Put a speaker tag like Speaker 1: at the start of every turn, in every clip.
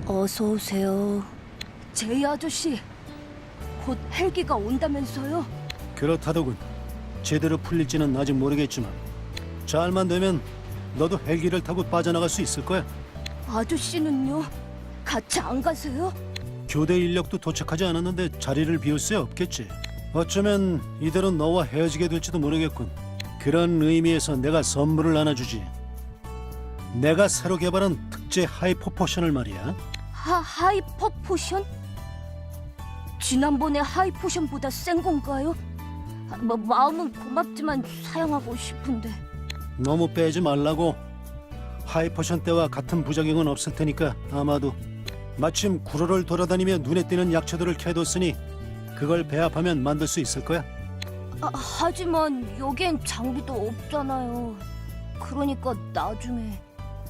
Speaker 1: 어서 오세요. 제이 아저씨, 곧 헬기가 온다면서요?
Speaker 2: 그렇다더군. 제대로 풀릴지는 아직 모르겠지만 잘만 되면 너도 헬기를 타고 빠져나갈 수 있을 거야.
Speaker 1: 아저씨는요? 같이 안 가세요?
Speaker 2: 교대 인력도 도착하지 않았는데 자리를 비울 수 없겠지. 어쩌면 이대로 너와 헤어지게 될지도 모르겠군. 그런 의미에서 내가 선물을 하나 주지. 내가 새로 개발한 특제 하이퍼 포션을 말이야.
Speaker 1: 하이퍼 포션? 지난번에 하이 포션보다 센 건가요? 마음은 고맙지만 사용하고 싶은데.
Speaker 2: 너무 빼지 말라고. 하이퍼션 때와 같은 부작용은 없을 테니까 아마도. 마침 구로를 돌아다니며 눈에 띄는 약초들을 캐뒀으니 그걸 배합하면 만들 수 있을 거야.
Speaker 1: 하지만 여기엔 장비도 없잖아요. 그러니까 나중에.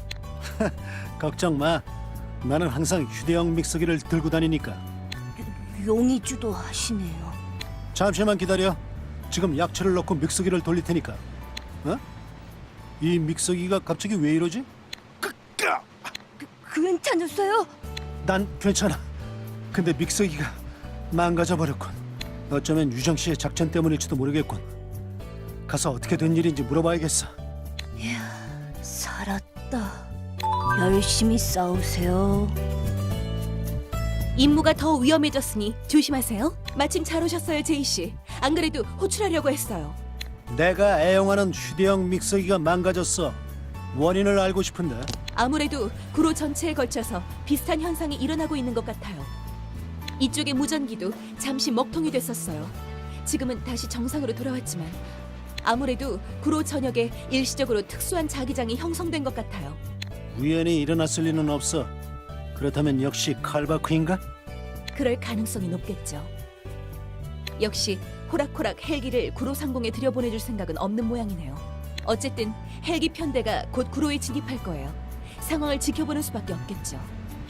Speaker 2: 걱정 마. 나는 항상 휴대용 믹서기를 들고 다니니까.
Speaker 1: 용의주도 하시네요.
Speaker 2: 잠시만 기다려. 지금 약초를 넣고 믹서기를 돌릴 테니까. 어? 이 믹서기가 갑자기 왜 이러지?
Speaker 1: 괜찮으세요?
Speaker 2: 난 괜찮아. 근데 믹서기가 망가져 버렸군. 어쩌면 유정 씨의 작전 때문일지도 모르겠군. 가서 어떻게 된 일인지 물어봐야겠어.
Speaker 1: 이야, 살았다. 열심히 싸우세요.
Speaker 3: 임무가 더 위험해졌으니 조심하세요. 마침 잘 오셨어요, 제이 씨. 안 그래도 호출하려고 했어요.
Speaker 2: 내가 애용하는 휴대용 믹서기가 망가졌어. 원인을 알고 싶은데.
Speaker 3: 아무래도 구로 전체에 걸쳐서 비슷한 현상이 일어나고 있는 것 같아요. 이쪽의 무전기도 잠시 먹통이 됐었어요. 지금은 다시 정상으로 돌아왔지만 아무래도 구로 전역에 일시적으로 특수한 자기장이 형성된 것 같아요.
Speaker 2: 우연히 일어났을 리는 없어. 그렇다면 역시 칼바크인가?
Speaker 3: 그럴 가능성이 높겠죠. 역시 호락호락 헬기를 구로 상공에 들여보내줄 생각은 없는 모양이네요. 어쨌든 헬기 편대가 곧 구로에 진입할 거예요. 상황을 지켜보는 수밖에 없겠죠.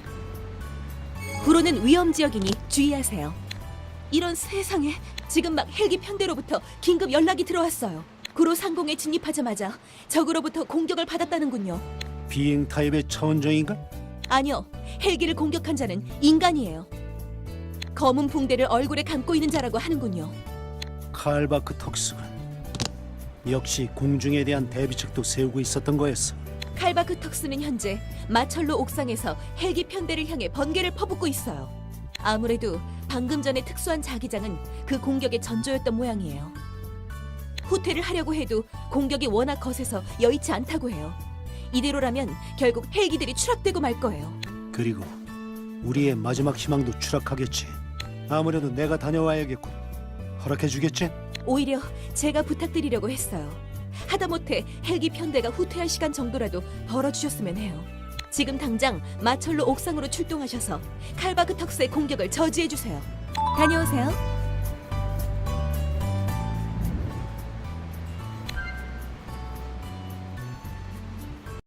Speaker 3: 구로는 위험 지역이니 주의하세요. 이런 세상에, 지금 막 헬기 편대로부터 긴급 연락이 들어왔어요. 구로 상공에 진입하자마자 적으로부터 공격을 받았다는군요.
Speaker 2: 비행 타입의 차원종인가?
Speaker 3: 아니요, 헬기를 공격한 자는 인간이에요. 검은 붕대를 얼굴에 감고 있는 자라고 하는군요.
Speaker 2: 칼바크 턱스군. 역시 공중에 대한 대비책도 세우고 있었던 거였어.
Speaker 3: 칼바크 턱스는 현재 마철로 옥상에서 헬기 편대를 향해 번개를 퍼붓고 있어요. 아무래도 방금 전의 특수한 자기장은 그 공격의 전조였던 모양이에요. 후퇴를 하려고 해도 공격이 워낙 거세서 여의치 않다고 해요. 이대로라면 결국 헬기들이 추락되고 말 거예요.
Speaker 2: 그리고 우리의 마지막 희망도 추락하겠지. 아무래도 내가 다녀와야겠군. 허락해 주겠지?
Speaker 3: 오히려 제가 부탁드리려고 했어요. 하다못해 헬기 편대가 후퇴할 시간 정도라도 벌어주셨으면 해요. 지금 당장 마철로 옥상으로 출동하셔서 칼바크 턱스의 공격을 저지해주세요. 다녀오세요.